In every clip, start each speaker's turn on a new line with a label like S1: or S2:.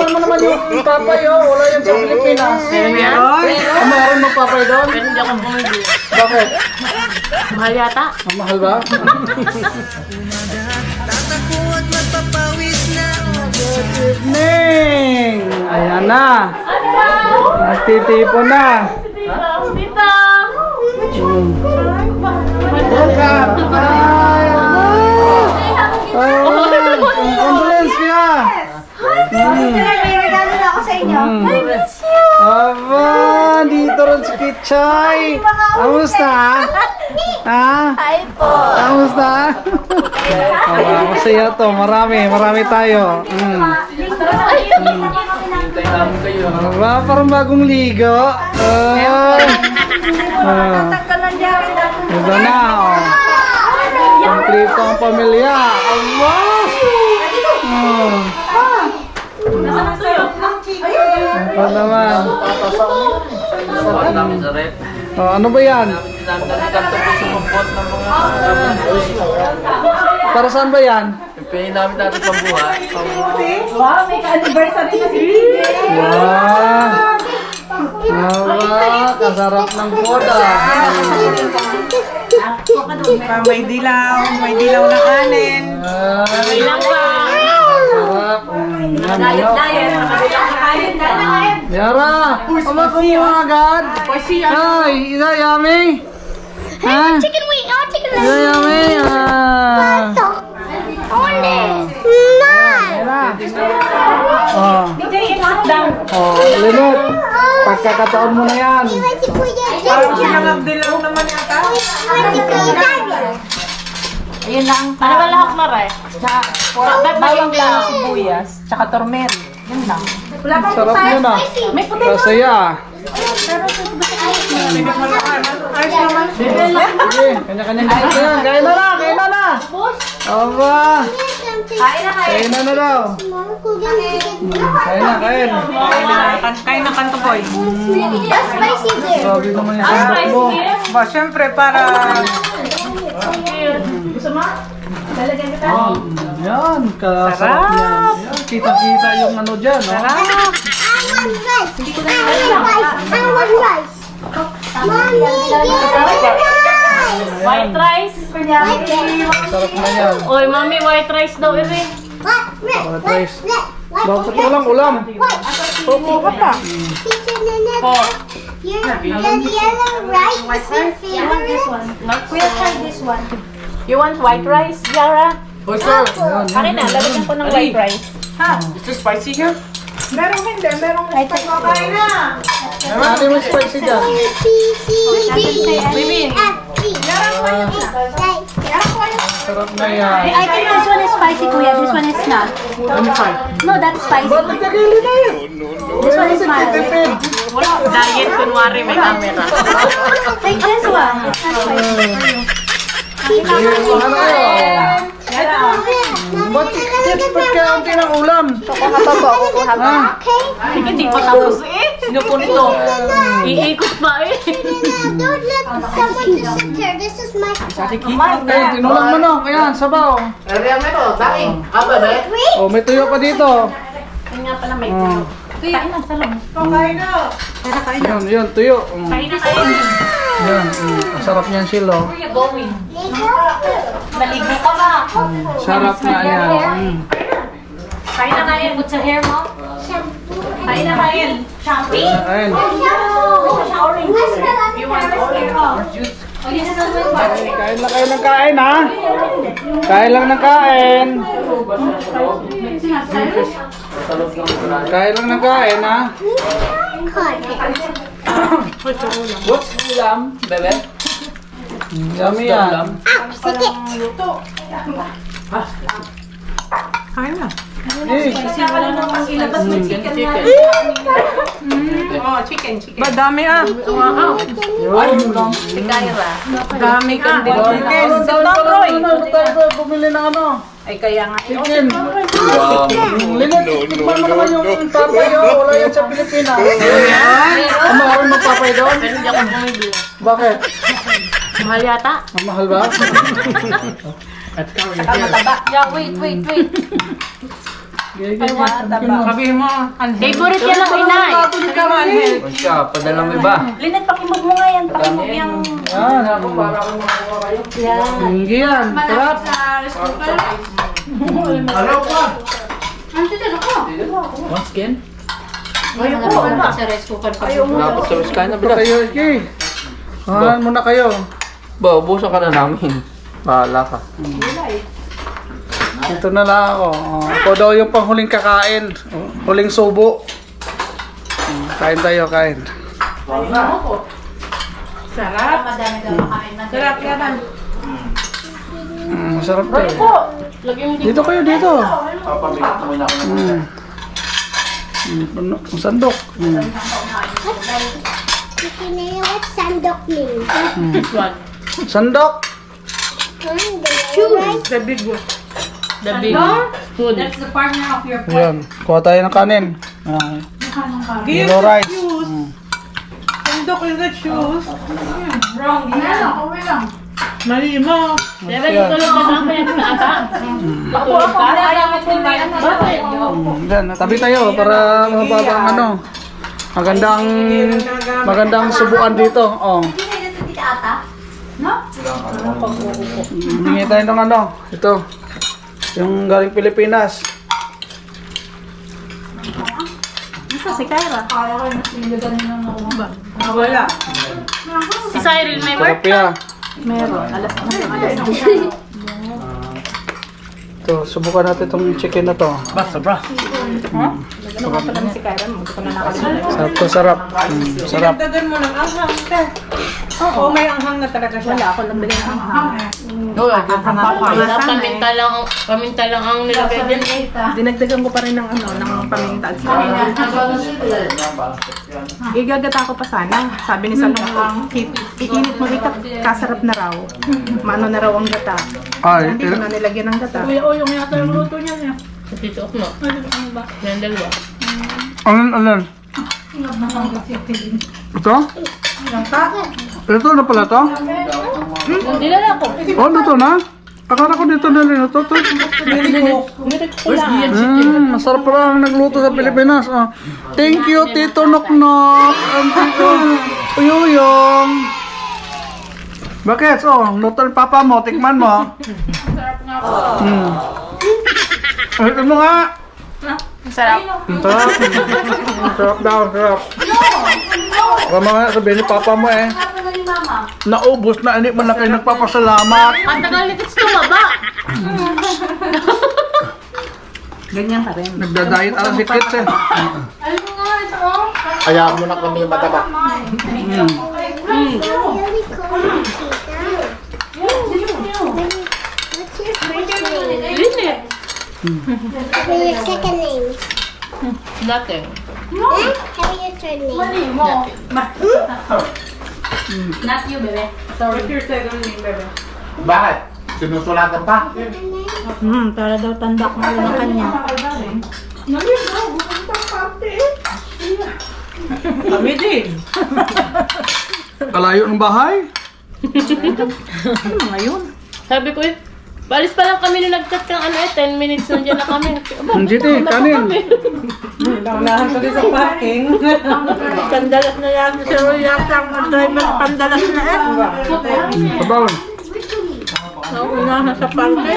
S1: Tikman mo naman yung papay, oh. Wala yan sa Pilipinas.
S2: Meron?
S1: Meron magpapay doon?
S2: Pero hindi ako bumili.
S1: Bakit?
S2: Mahal yata.
S1: Ang mahal ba? Good evening! Ayan na. Nagtitipo na.
S2: Tita!
S1: Welcome! Hi! Condolence kaya!
S3: May regalo na ako sa inyo.
S1: Aba, dito rin si Kichay. Kamusta? Ha?
S3: Hi po.
S1: Kamusta? Masaya to. Marami tayo. Aba, parang bagong ligo.
S3: Tatanggal ng jacket ako.
S1: Ito na, oh. Kompleto ang pamilya. Aba! Ito naman.
S4: Suot namin sa rep.
S1: Oh, ano ba yan?
S4: Kanto po sa kumpot ng mga
S1: Para saan ba yan?
S4: pipiliin namin natin pambuhay.
S3: Wow, may ka-anniversary na si PJ.
S1: Wow! Aba, kasarap ng boda.
S5: May dilaw na kanin.
S2: Ilang pa.
S1: Sarap. Yara! Kumuha agad! Ay, isa yummy! Ha?
S3: Chicken wing. Oh, chicken
S1: Isa yummy! Yara! Oh. Oh, limot! Pagkakataon mo na yan!
S5: Parang silang dilaw naman yata.
S3: Ayun lang.
S2: Ano ba lahok na rin?
S5: Bawang lang, sibuyas, tsaka turmeric. Yun lang.
S1: Sarap yun ah! Masaya! Sige, kanya-kanyang gusto yan! Kain na na! Aba! Kain na daw! Kain!
S5: Kain ng kanto boy.
S1: Grabe naman yung sandok mo!
S5: Ba, syempre para...
S1: Yan, kasarap yan. Yan, kita-kita yung ano dyan, no?
S2: White rice.
S1: Sarap na yan.
S2: Oy, mami, white rice daw iri.
S1: White rice. Bakit walang ulam?
S5: Pupo ka pa.
S3: Kuya, try this one.
S2: You want white rice, Yara?
S4: Oh sir,
S2: Akin na, lalagyan ko ng white rice.
S4: is this spicy here?
S5: Merong hindi, merong kain na.
S1: Ano yung spicy dyan? Sarap na yan.
S3: I think this one is spicy, Kuya. This one is not. No, that's spicy.
S1: Ba't nagkakili na yun?
S3: This one is mild.
S1: Tipid.
S2: Diet, kunwari may camera.
S3: Take this one. It's not spicy.
S1: Ano kayo? Ba't expert kayo ang tinang ulam? Ha?
S2: Hindi pa tapos eh. Sino po nito? Iikot pa eh.
S3: Don't let someone to sit there. This is my
S1: Eh, tinulang mo no. Ayan, sabaw.
S4: Area mo ito, daing. Apa ba?
S1: Oh, may tuyo pa dito.
S2: Ayun nga pala may tuyo. Kain na, salong.
S1: Yun, tuyo.
S2: Kain na kain.
S1: Yan, sarap niyan silo.
S2: Kuya, going. Naligo ka ba?
S1: Sarap nga yan.
S2: Kain na kain. Put sa hair mo. Kain na kain. Shampoo?
S1: Ayun.
S2: You want orange?
S1: Kain lang kayo ng kain, ha? Kain lang ng kain. Kain lang ng kain, ha?
S4: What's ulam, bebe?
S1: Yummy yan.
S5: Kain na.
S1: Eh,
S5: Oh, chicken. Ba, dami ah.
S1: yun lang.
S5: Dami ka. Chicken.
S1: Ano tayo bumili ng ano?
S5: Ay, kaya nga.
S1: Chicken. Linot, tikman mo naman yung papay, oh. Wala yan sa Pilipinas. Ang mahal magpapay doon?
S2: Pero hindi ako bumibili.
S1: Bakit?
S2: Mahal yata.
S1: Ang mahal ba?
S2: Yeah, wait.
S4: Sabihin mo.
S3: Favorite yan ng inay.
S1: O siya, padala mo iba.
S3: Linet, pakimog mo nga yan. Pakimog yung...
S1: Yan. Hindi yan. Sarap.
S4: Once again?
S2: Sa rice cooker pa.
S4: Dapat sa wiskain na
S1: Ito kayo, Iski. Hangalan muna kayo.
S4: Ba, ubusan ka na namin. Bahala ka.
S1: Ito na lang ako. Ako daw yung panghuling kakain. Huling subo. Kain tayo, kain.
S5: Sarap.
S2: Madami daw makain na.
S5: Sarap yan.
S1: Masarap to eh. Dito kayo, dito. Ang sandok.
S6: What sandok means?
S1: Sandok.
S5: The big one.
S2: The big That's the partner of your pork.
S1: Ayan. Kuha tayo ng kanin. Yellow rice.
S5: Sandok is the shoes.
S2: Wrong. Okay lang.
S5: Mali mo.
S2: Dapat tutulog ka lang kaya na ata. Tutulog ka? Ayaw mo kumain. Bakit?
S1: Yan, tabi tayo para mababa ang ano. Magandang subuan dito. Oh. Hingi tayo ng ano. Ito. Yung galing Pilipinas.
S3: Ito si Kyra.
S5: Wala.
S2: Si Cyril may work?
S1: Sarap yan.
S3: Meron. Alas
S1: Ito, subukan natin itong chicken na to.
S4: Sobra.
S3: Ano nga pala si Kyra? Hindi ko na nakalimutan.
S1: Sarap to, sarap. Sarap.
S5: Dagan mo ng anghang. Oo, may anghang na talaga siya.
S3: Wala ako lang bigyan ng anghang.
S2: Paminta lang ang nilagay dyan.
S3: Dinagdagan ko pa rin ng ano, ng paminta. Igagata ko pa sana. Sabi ni Salong, iinit mo ikat, kasarap na raw. Maano na raw ang gata.
S1: Ay,
S3: Hindi ko na nilagyan ng gata.
S2: yung yata yung luto niya niya. Sa tito ko mo. Yan dalawa.
S1: Ano? Ito? Ito na pala to?
S2: Hindi na ako.
S1: Oh, dito na? Akala ko dito na rin. Ito. Masarap pala ang nagluto sa Pilipinas. Oh. Thank you, Tito Noknok. And Tito Uyuyong. Bakit? Oh, luto ng papa mo. Tikman mo.
S2: Sarap nga po.
S1: Ito mo nga.
S3: Sarap.
S1: Sarap. Sarap daw, sarap. Baka mga sabihin ni papa mo eh. Naubos na, hindi man na kayo nagpapasalamat.
S2: Ang tagal nito tumaba.
S3: Ganyan ka rin.
S1: Nagda-diet ang si Kits eh.
S2: Alam mo nga ito oh.
S4: Hayaan mo na kami mataba.
S6: Really cool, Tita. What's your first name?
S2: Linit.
S6: What your second name?
S2: Nothing.
S6: Eh? How your third name?
S2: Mali mo. Not you, bebe.
S5: What's your second name, bebe?
S4: Bakit? Sinusulatan pa?
S3: Para daw tandak mo ng kanya.
S5: Kami din.
S1: Kalayo ng bahay?
S3: Ano ngayon?
S2: Sabi ko eh, balis pa lang kami nung nag-chat kang 10 minutes nandiyan na kami.
S1: Hindi eh, kanin.
S5: Naunahan ko din sa parking.
S3: Pandalas na yan. Pero yata ang driver pandalas na eh.
S1: Sabaw.
S3: Naunahan sa parking.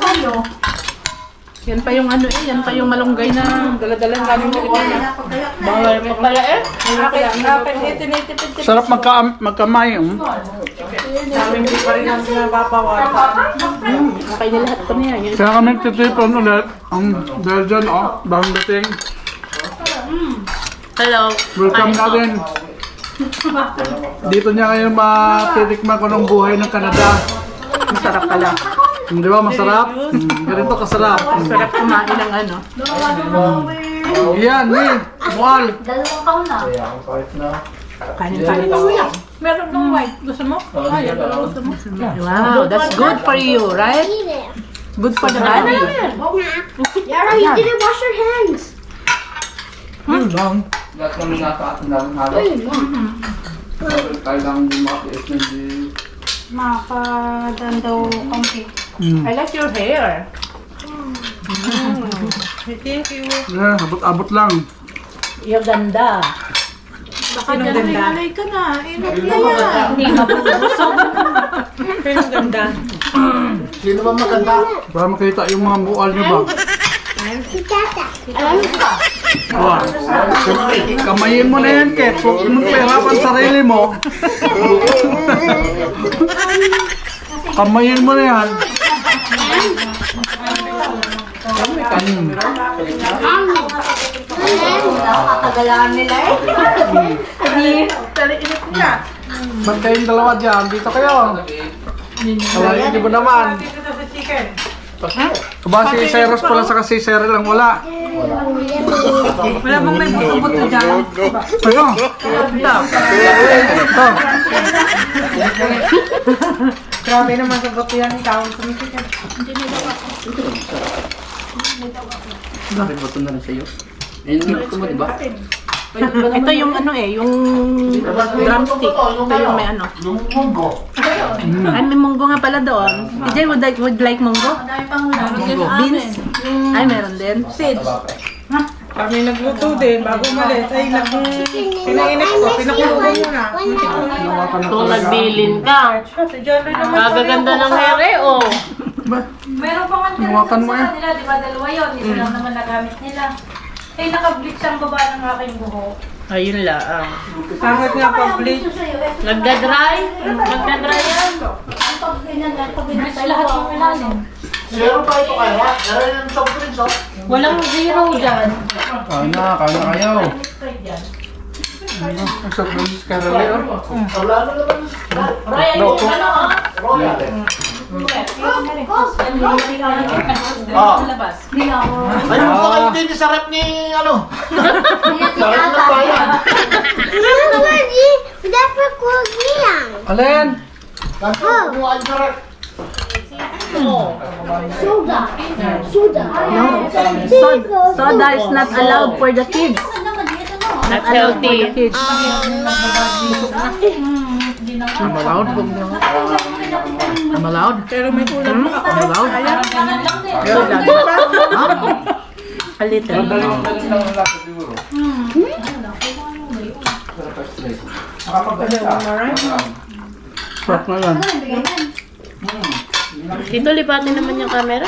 S3: Yan pa yung ano eh, yan pa yung malunggay na daladalan galing Pilipinas.
S2: Bawal pa pala eh.
S1: Sarap magkamay.
S5: Sabi hindi pa rin ang nababawasan.
S3: Okay na lahat pa na yan.
S1: Kaya kami titipon ulit. Dahil dyan, bagong dating.
S2: Hello.
S1: Welcome natin. Dito niya ngayon matitikman ko ng buhay ng Canada.
S3: Masarap pala.
S1: Di ba masarap? Ganito kasarap.
S3: Masarap kumain ng ano.
S1: Yan, Mual.
S2: Dalawang taon na.
S3: Kanin tayo.
S2: Meron ng white. Gusto mo? Ay, gusto mo?
S3: Wow, that's good for you, right?
S6: Eat it.
S3: Good for the body.
S6: Yara, you didn't wash your hands.
S1: Lahat kami nakaatin namin halos. Kailangan yung mga PS na hindi...
S3: Makadan daw konti. I like your hair. Thank you.
S1: Abot-abot lang.
S2: Yung ganda.
S3: Sinong ganda? Nanay ka na. Inot na yan.
S2: Hindi mabubusog.
S3: Sinong ganda?
S4: Sino ba maganda?
S1: Para makita yung mga bual niyo ba?
S6: Si Tata.
S1: Wow. Kamayin mo na yan, Ket. Huwag mong pahirapan sarili mo. Kamayin mo na yan.
S2: Katagalaan nila eh.
S1: Ba't kayong dalawa dyan? Dito kayo. Kalahin niyo ba naman? Ba si Cyrus pala sa kasi Cyril lang wala.
S3: Wala bang may buto-buto dyan?
S1: Ano? Ito.
S3: Grabe naman sa buto yan. Ikaw ang sumikikan.
S4: Bato na rin sa'yo. Ayun, ito mo, diba?
S3: Ito yung ano yung drumstick. Ito yung may ano.
S4: Yung munggo.
S3: Ay, may munggo nga pala doon. TJ, would like munggo? Beans? Ay, meron din. Seeds.
S7: Kami nagluto din, bago umalis. Ay, pinainit ko, pinakulungan mo na.
S2: Kung nagbilin ka.
S7: Si John Ray naman.
S2: Kagaganda ng hair eh, oh.
S8: Meron pa nga
S1: Hawakan mo
S8: sa kanila, di ba? Dalawa yun. Isa lang naman nagamit nila. Eh, naka-bleach ang baba ng aking buhok.
S2: Ayun lang.
S7: Sangat nga pa-bleach.
S2: Nagda-dry? Nagda-dry yan.
S8: Bleach lahat yung ilalim.
S4: Zero pa ito kaya? Pero yung soft drinks, oh.
S2: Walang zero dyan.
S1: Kain na kayo. Sa Prince Carolina.
S4: Wala na naman.
S2: Ryan, yung ano ah?
S4: Royal.
S3: Sa labas.
S4: Ayun pa kayo din sa rep ni, ano? Sa rep ng bayan.
S6: Dapat ko niyang.
S1: Alin?
S4: Kumuhaan sa rep.
S6: Soda. Soda.
S3: Soda is not allowed for the kids.
S2: Not healthy.
S3: Kids.
S1: I'm allowed? I'm allowed?
S3: Pero may kulang pa ako.
S1: I'm allowed?
S3: A little.
S1: Sarap na yan.
S2: Dito lipatin naman yung camera.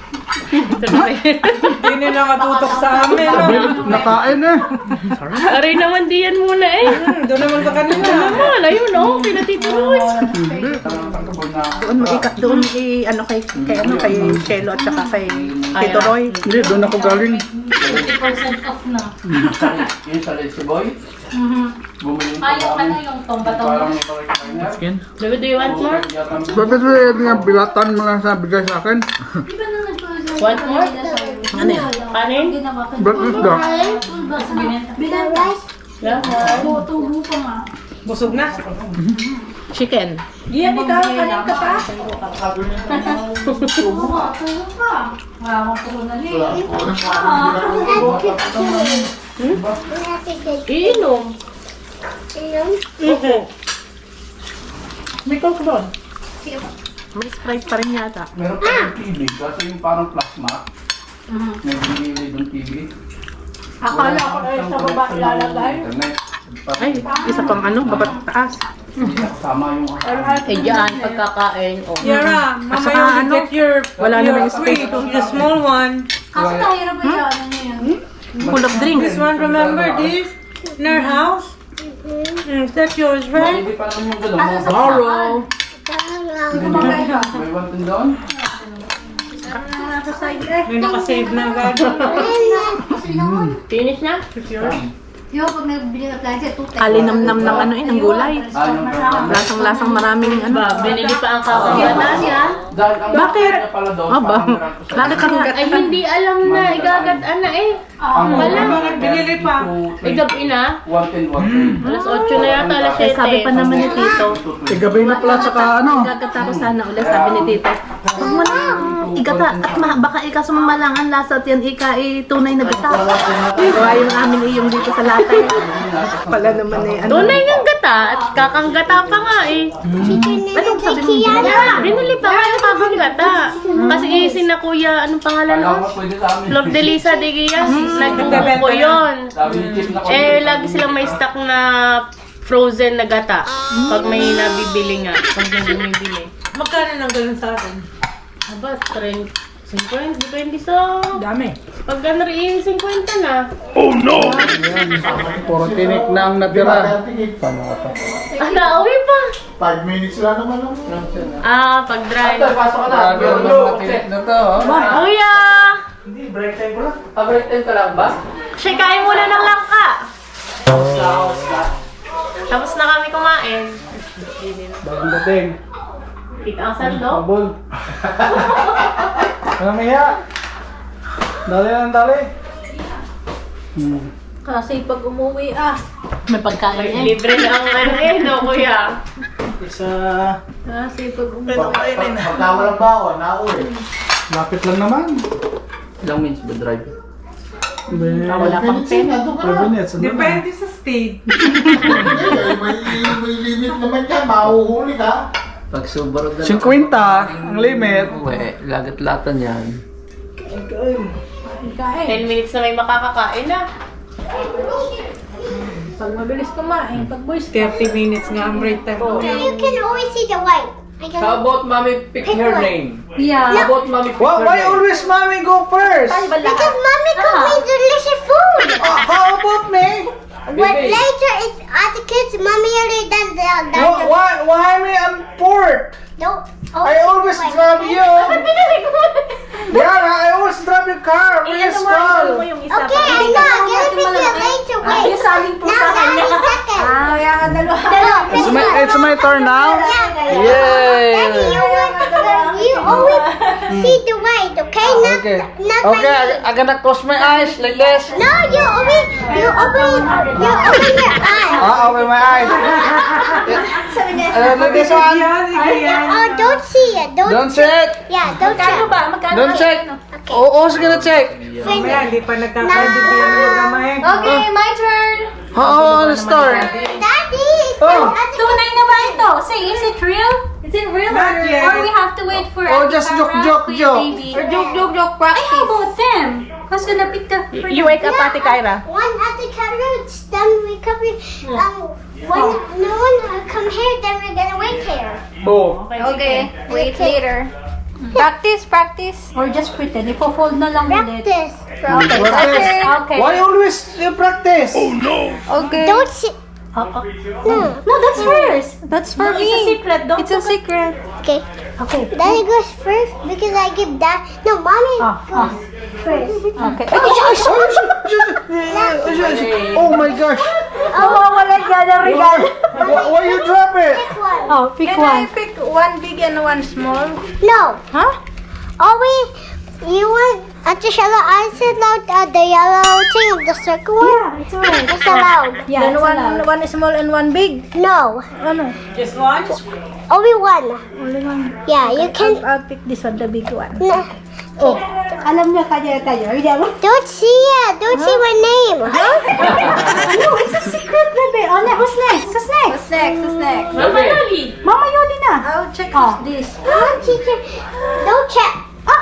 S7: Hindi nila matutok sa amin.
S1: Nakain eh.
S2: Aray naman diyan muna eh.
S7: Doon naman sa kanila.
S2: Naman, ayun oh, pinatituloy.
S3: Doon mo ikat doon ano kay Chelo at saka kay Tito Roy.
S1: Hindi, doon ako galing.
S8: 50% off na.
S4: Yung sa si Boy? Bumili
S8: Ah, yung ano, yung tomba-tomba.
S1: Skin?
S2: Baby, do you want more?
S1: Bakit nga bilatan mo lang sa bigay sa akin?
S2: Want more?
S3: Ano yan?
S2: Kanin?
S1: Ba't isda?
S2: Yeah.
S8: Tubo pa nga.
S7: Busog na.
S3: Chicken.
S7: Yan, ikaw, kanin ka pa.
S8: Tubo ka. Wala akong tubo na rin.
S2: Iinom.
S3: May coke doon. May Sprite pa rin yata.
S4: Meron pa yung TV, kasi yung parang plasma. May binili doon TV.
S8: Akala ko na sa baba ilalagay.
S4: Internet.
S3: Ay, isa pang ano, babat taas.
S4: Sama yung
S2: Eh, dyan, pagkakain. Oh.
S7: Yara, mama,
S3: saka
S7: you
S3: ano,
S7: get your
S3: wala namang space.
S7: sweet, the small one.
S8: Kaso tayo ba yun? Ano yun?
S3: Full of drinks.
S7: This one, remember this? In our house? That's yours, right?
S4: Hindi pa naman yung gano'n. Borrow! May one thing doon?
S7: May nakasave na agad.
S2: Finish na?
S6: Yo, pag nagbili ka plan siya, tutay.
S3: Kalinamnam ng ano ng gulay.
S4: Yung
S3: Lasang-lasang maraming ano.
S2: Ba, binili pa ang kawagan.
S4: dahil ang
S3: Bakit?
S4: niya pala doon,
S3: Aba,
S4: parang meron ko sa-
S3: bakit ka
S2: Ay, hindi alam na. Igagat na eh.
S7: Bakit binili pa?
S2: Gabi na.
S1: 110.
S2: Alas 8 na yata, alas 7.
S3: Sabi pa naman ni Tito.
S1: Gabi na pala tsaka ano.
S3: Gagata ko sana ulit, sabi ni Tito. Huwag mo na, igata. At baka ika sumamalangan lasa at yan ika tunay na gata. Kaya yung amin yung dito sa latay. Pala naman eh. Ano?
S2: Tunay ng gata at kakanggata pa nga eh.
S3: Anong sabi mo?
S2: Binili pa nga yung kakanggata. Kasi isin na kuya, anong pangalan nun? Flor de Lisa de Guias. Nagbuko ko yun. Lagi silang may stock na frozen na gata. Pag may nabibili nga. Pag may bumibili.
S7: Magkano nang ganun sa akin?
S2: Aba, 50, depende sa...
S7: Dami.
S2: Pag gano'n rin, 50 na.
S1: Puro tinik na ang natira.
S2: Nauwi pa.
S4: 5 minutes lang naman lang.
S2: Pag drive.
S1: Grabe ang mga tinik na to.
S2: Kuya!
S4: Break time ko lang.
S9: Break time ka lang ba?
S2: Siya, kain muna ng langka. Tapos na kami kumain.
S1: Bagong dating.
S2: Kita ang sando.
S1: Pabol. Ano kaya? Dali lang, dali.
S8: Kasi pag umuwi
S3: May pagkain eh.
S2: Libre na ang ano eh, no, kuya?
S1: Isa.
S8: Kasi pag umuwi.
S4: Pagka walang baon, nauwi.
S1: Lapit lang naman.
S9: Ilang minutes ba drive?
S3: Wala pang pen.
S1: 5 minutes. Ano na?
S7: Depende sa speed.
S4: May limit naman yan, mahuhuli ka.
S9: Pag Subaru
S1: 50 ang limit.
S9: Uwe, lagat-latan yan.
S2: 10 minutes na may makakakain na.
S8: Pag mabilis kumain, pag boys
S7: 30 minutes nga ang break time ko.
S6: You can always see the white. I can
S9: How about mommy pick her name?
S8: Yeah.
S9: How about mommy pick her
S1: Why
S9: name?
S1: always mommy go first?
S6: because mommy cooked me delicious food.
S1: How about me?
S6: But later it's at the kids. Mommy already done the
S1: Why me on port?
S6: Don't.
S1: I always drive you. Yeah, I always drive your car. Please call.
S6: Okay, I know. I'm gonna pick you later. Wait. Now, 90 seconds.
S1: It's my turn now.
S6: Yeah.
S1: Yay!
S6: Daddy, you always see the white, okay? Not,
S1: Okay.
S6: not
S1: Okay,
S6: my
S1: I'm gonna close my eyes like this.
S6: No, you open your eyes.
S1: Open my eyes. Like this one.
S6: Oh, don't see it.
S1: Don't check.
S6: Yeah, don't check.
S1: Don't check. Oh, who's gonna check?
S7: Mamaya, hindi pa nagkakaintindihan ng programa eh.
S8: Okay, my turn.
S1: Oh, the store.
S6: Daddy, it's
S1: Oh.
S8: Tunay na ba ito? Say, is it real? Is it real?
S7: Not yet.
S8: Or we have to wait for
S1: Oh, just joke.
S8: baby? Or joke, practice. How about them? Who's gonna pick the
S3: You wake up, Ate Kyra.
S6: one at the carrots, then we come here. When no one come here, then we're gonna wait here.
S1: Oh.
S8: Okay, wait later. Practice. Or just pretend. Ipo-fold na lang ulit.
S6: Practice.
S1: Practice.
S8: Okay.
S1: Why always you practice?
S8: Okay.
S6: Don't see.
S8: No, that's hers. That's for me. It's a secret. It's a secret.
S6: Okay.
S8: Okay.
S6: Daddy goes first because I give that. No, mommy goes first.
S8: Okay.
S1: Oh my gosh.
S8: Wala dyan ang regalo.
S1: Why you drop it?
S6: Pick one.
S8: Oh, pick one.
S7: Pick one big and one small.
S6: No.
S8: Huh?
S6: Always, you want at the yellow. I said out the yellow thing of the circle one.
S8: Yeah, it's alright.
S6: It's allowed.
S8: Yeah, then one small and one big.
S6: No,
S7: Just one?
S6: only one.
S8: Only one.
S6: Yeah, you can.
S8: I'll pick this one, the big one.
S6: No.
S8: Oh, alam niya kanya tayo.
S6: Don't see it. Don't see my name. Huh?
S8: No, it's a secret, baby. Oh, who's next? Who's next?
S2: Mama Loli.
S8: Mama Yoli na. I'll check who's this.
S6: Teacher, don't check.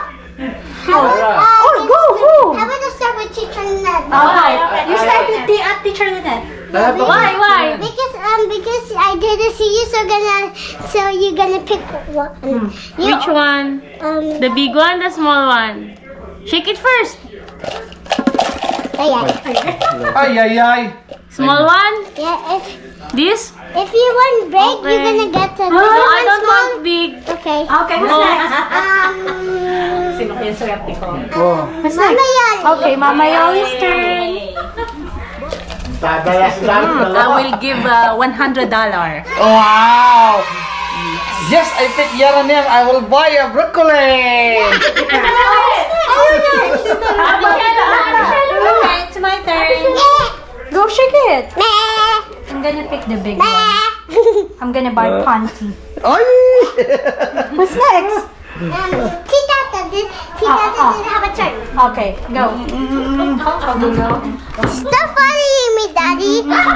S8: Go.
S6: How about to start with teacher Ned?
S8: Okay. You start with the teacher Lynette.
S2: Why?
S6: Because I didn't see you, so you're gonna pick one. You,
S2: Which one? The big one, the small one? Shake it first.
S6: yeah.
S1: Ay.
S2: Small one?
S6: Yeah,
S2: This?
S6: if you want big, you're gonna get the
S2: No, I don't want big.
S6: Okay.
S8: Okay, who's next?
S3: Sino kaya swerte ko?
S1: Oh.
S6: Mama Yoli.
S8: Okay, Mama Yoli's turn.
S3: I will give $100.
S1: Wow. Yes, I pick Yaranel. I will buy a broccoli.
S6: Okay.
S8: I'm gonna pick the big one. I'm gonna buy Ponty.
S1: Ay!
S8: What's next?
S6: Tita didn't have a turn.
S8: Okay, go.
S6: Stop following me, Daddy.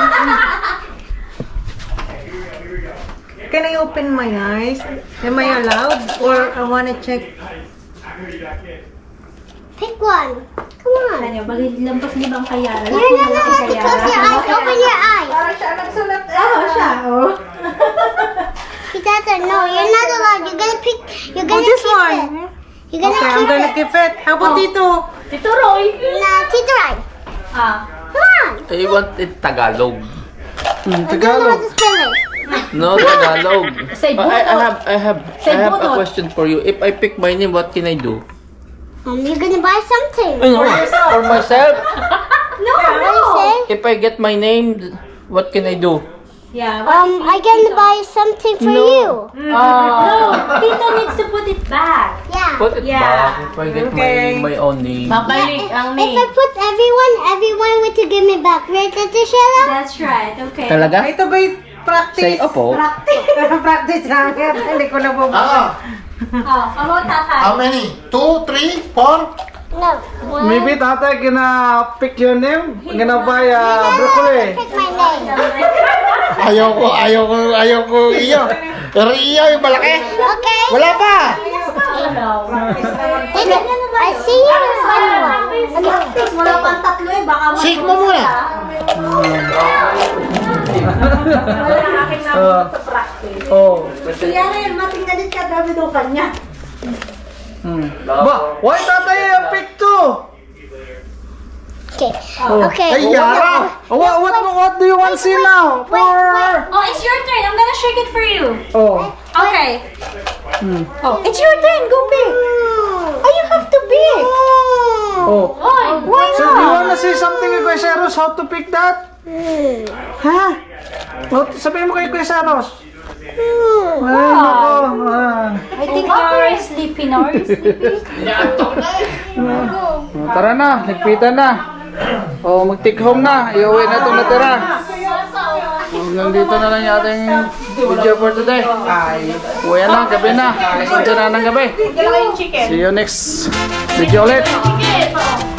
S7: Can I open my eyes? Am I allowed? Or I wanna check?
S6: Pick one. Come on.
S8: Ano, lampas niyo ba ang kayaran?
S6: You're not allowed to close your eyes. Open your eyes. Tita, no, you're not allowed. You're gonna pick. You're
S7: Oh,
S6: gonna
S7: this
S6: keep
S7: one.
S6: it. You're gonna
S7: Okay, I'm
S6: keep
S7: gonna
S6: it.
S7: keep it. How about Tito?
S2: Tito Roy.
S6: Nah, Tita, right. Come on.
S9: I want it Tagalog.
S6: I don't know how
S1: Tagalog.
S6: to spell it.
S9: No, Tagalog.
S8: Say
S9: I have a
S8: bunot.
S9: question for you. If I pick my name, what can I do?
S6: You're gonna buy something.
S9: For myself?
S8: No,
S6: What do you say?
S9: If I get my name, what can I do?
S8: Yeah.
S6: I can buy something for you.
S8: No, Tito needs to put it back.
S6: Yeah.
S9: Put it
S8: Yeah.
S9: back if I get
S7: Okay.
S9: my own name.
S2: Babalik ang
S6: If I
S2: name.
S6: put everyone would to give me back. Right, Tita Sheila?
S8: That's right. Okay.
S9: Talaga?
S7: Ito ba'y practice?
S9: Say opo.
S7: Practice lang yan. Hindi ko na
S8: Oh, about Tatay.
S4: How many? 2, 3, 4?
S6: No. One.
S1: Maybe tatay gonna pick your name. Gonna buy broccoli.
S6: Pick my name.
S4: Ayaw ko iyo. Pero iyo yung malaki.
S6: Okay.
S4: Wala pa.
S6: I see you in one. Okay.
S8: Wala pang tatlo eh. Baka
S4: Shake mo muna.
S1: Oh.
S8: Yan na yun. Matingnan din ka dami daw kanya.
S1: Ba, why tatay yung pick to?
S6: Okay. Okay.
S4: Ay, Yara.
S1: What do you want to see now? For
S8: Oh, it's your turn. I'm gonna shake it for you.
S1: oh.
S8: Okay. Oh, it's your turn. Go pick. Oh, you have to pick.
S1: Oh.
S8: Why
S1: So do you want to see something kay Kuya Seros how to pick that? Ha? Oh, sabihin mo kay Kuya Seros. Ay, nako.
S8: I think you're sleepy now. Are you sleepy?
S1: Tara na, nagpitan na. Oh, mag-take home na. Iuwi na itong natira. Hanggang dito na lang yung ating video for today. Uwi na, gabi na. Alas 11 na ng gabi. See you next video ulit.
S2: Sige, ito.